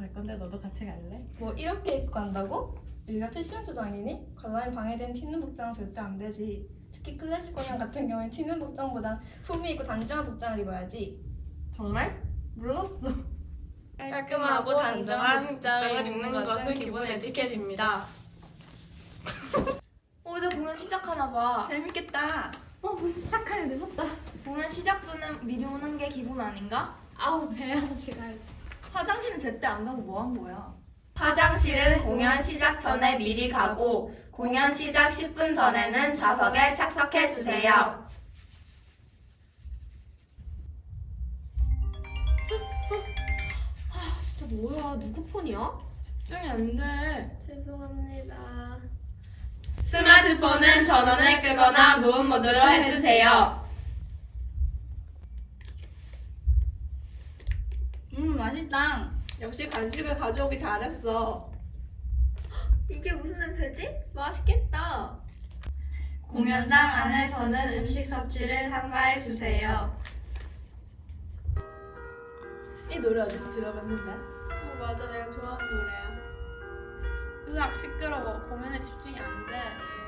갈 건데 너도 같이 갈래? 뭐 이렇게 입고 간다고? 여기가 패션 쇼장이니? 관람이 방해된 튀는 복장은 절대 안 되지. 특히 클래식 공연 같은 경우엔 튀는 복장보단 폼이 있고 단정한 복장을 입어야지. 정말? 몰랐어. 깔끔하고 단정한 복장을 입는 것은 기본 에티켓입니다. 이제 공연 시작하나 봐. 재밌겠다. 벌써 시작하니 늦었다. 공연 시작 전에 미리 오는 게 기본 아닌가? 아우 배 아저씨 가야지. 화장실은 제때 안 가고 뭐 한 거야? 화장실은 공연 시작 전에 미리 가고 공연 시작 10분 전에는 좌석에 착석해 주세요. 진짜 뭐야? 누구 폰이야? 집중이 안 돼. 죄송합니다. 스마트폰은 전원을 끄거나 무음 모드로 해주세요. 맛있다. 역시 간식을 가져오기 잘했어. 이게 무슨 냄새지? 맛있겠다. 공연장 안에서는 음식 섭취를 삼가해 주세요. 이 노래 어디서 들어봤는데? 맞아, 내가 좋아하는 노래야. 으악 시끄러워. 공연에 집중이 안 돼.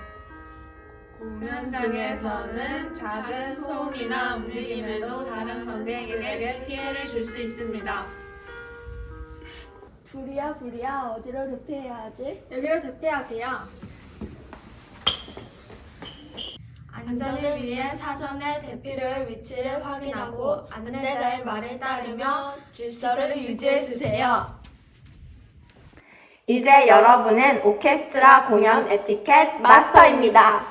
공연장에서는 작은 소음이나 움직임에도 다른 관객에게 피해를 줄 수 있습니다. 불이야 어디로 대피해야 하지? 여기로 대피하세요. 안전을 위해 사전에 대피를 위치를 확인하고 안내자의 말을 따르며 질서를 유지해 주세요. 이제 여러분은 오케스트라 공연 에티켓 마스터입니다.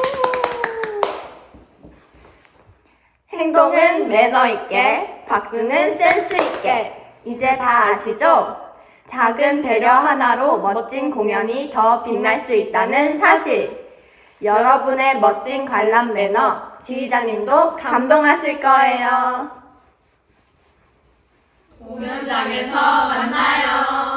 행동은 매너 있게, 박수는 센스 있게. 이제 다 아시죠? 작은 배려 하나로 멋진 공연이 더 빛날 수 있다는 사실. 여러분의 멋진 관람 매너, 지휘자님도 감동하실 거예요. 공연장에서 만나요.